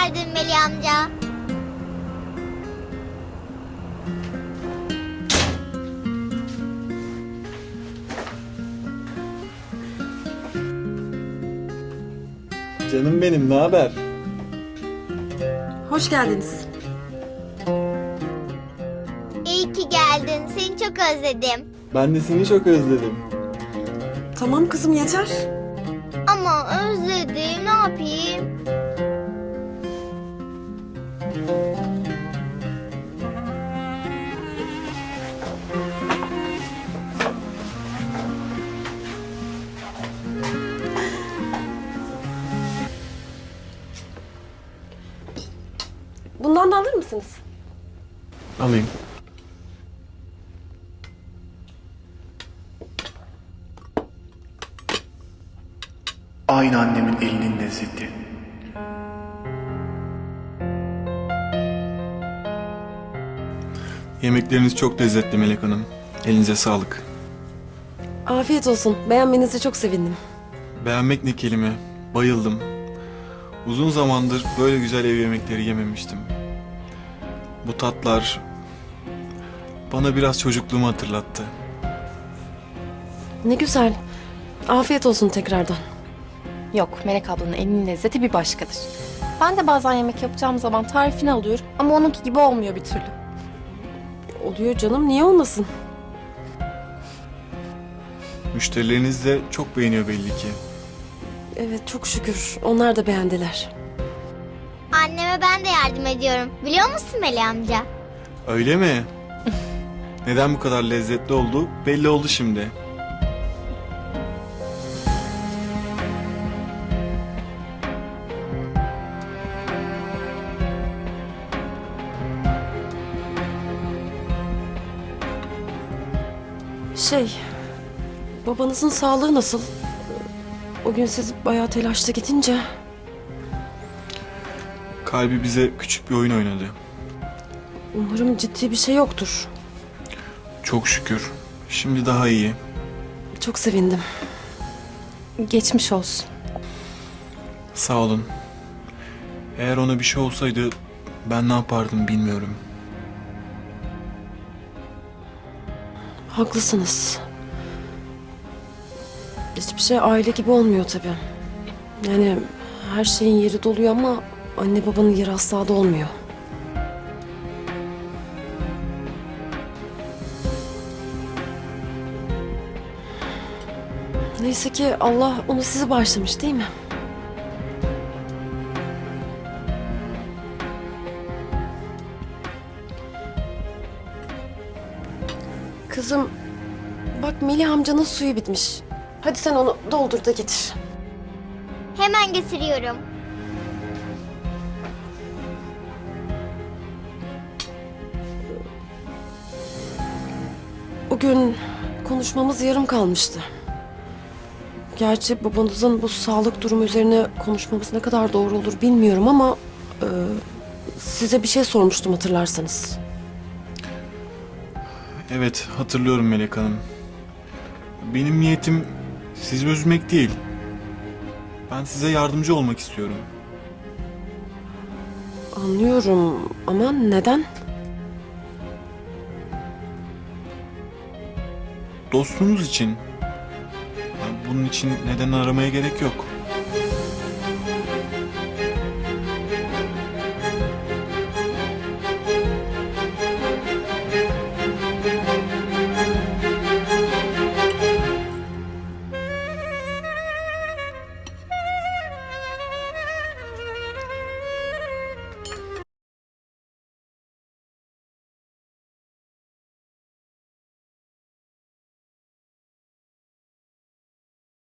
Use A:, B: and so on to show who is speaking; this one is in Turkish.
A: geldin Melih amca.
B: Canım benim, ne haber?
C: Hoş geldiniz.
A: İyi ki geldin. Seni çok özledim.
B: Ben de seni çok özledim.
C: Tamam kızım yeter.
A: Ama özledim. Ne yapayım?
C: Bundan da alır mısınız?
B: Alayım.
D: Aynı annemin elinin lezzeti.
B: Yemekleriniz çok lezzetli Melek Hanım. Elinize sağlık.
C: Afiyet olsun. Beğenmenize çok sevindim.
B: Beğenmek ne kelime. Bayıldım. Uzun zamandır böyle güzel ev yemekleri yememiştim. Bu tatlar bana biraz çocukluğumu hatırlattı.
C: Ne güzel. Afiyet olsun tekrardan.
E: Yok, Melek ablanın elinin lezzeti bir başkadır. Ben de bazen yemek yapacağım zaman tarifini alıyorum ama onunki gibi olmuyor bir türlü.
C: Oluyor canım, niye olmasın?
B: Müşterileriniz de çok beğeniyor belli ki.
C: Evet, çok şükür. Onlar da beğendiler.
A: Anneme ben de yardım ediyorum. Biliyor musun Melih amca?
B: Öyle mi? Neden bu kadar lezzetli oldu belli oldu şimdi.
C: Babanızın sağlığı nasıl? O gün siz bayağı telaşlı gidince.
B: Kalbi bize küçük bir oyun oynadı.
C: Umarım ciddi bir şey yoktur.
B: Çok şükür. Şimdi daha iyi.
C: Çok sevindim.
E: Geçmiş olsun.
B: Sağ olun. Eğer ona bir şey olsaydı ben ne yapardım bilmiyorum.
C: Haklısınız. Hiçbir şey aile gibi olmuyor tabii. Yani her şeyin yeri doluyor ama anne babanın yeri asla dolmuyor. Neyse ki Allah onu sizi bağışlamış değil mi? Kızım, bak Melih amcanın suyu bitmiş. Hadi sen onu doldur da getir.
A: Hemen getiriyorum.
C: O gün konuşmamız yarım kalmıştı. Gerçi babanızın bu sağlık durumu üzerine konuşmamız ne kadar doğru olur bilmiyorum ama... size bir şey sormuştum hatırlarsanız.
B: Evet, hatırlıyorum Melek Hanım. Benim niyetim sizi üzmek değil. Ben size yardımcı olmak istiyorum.
C: Anlıyorum ama neden?
B: Dostunuz için. Bunun için neden aramaya gerek yok.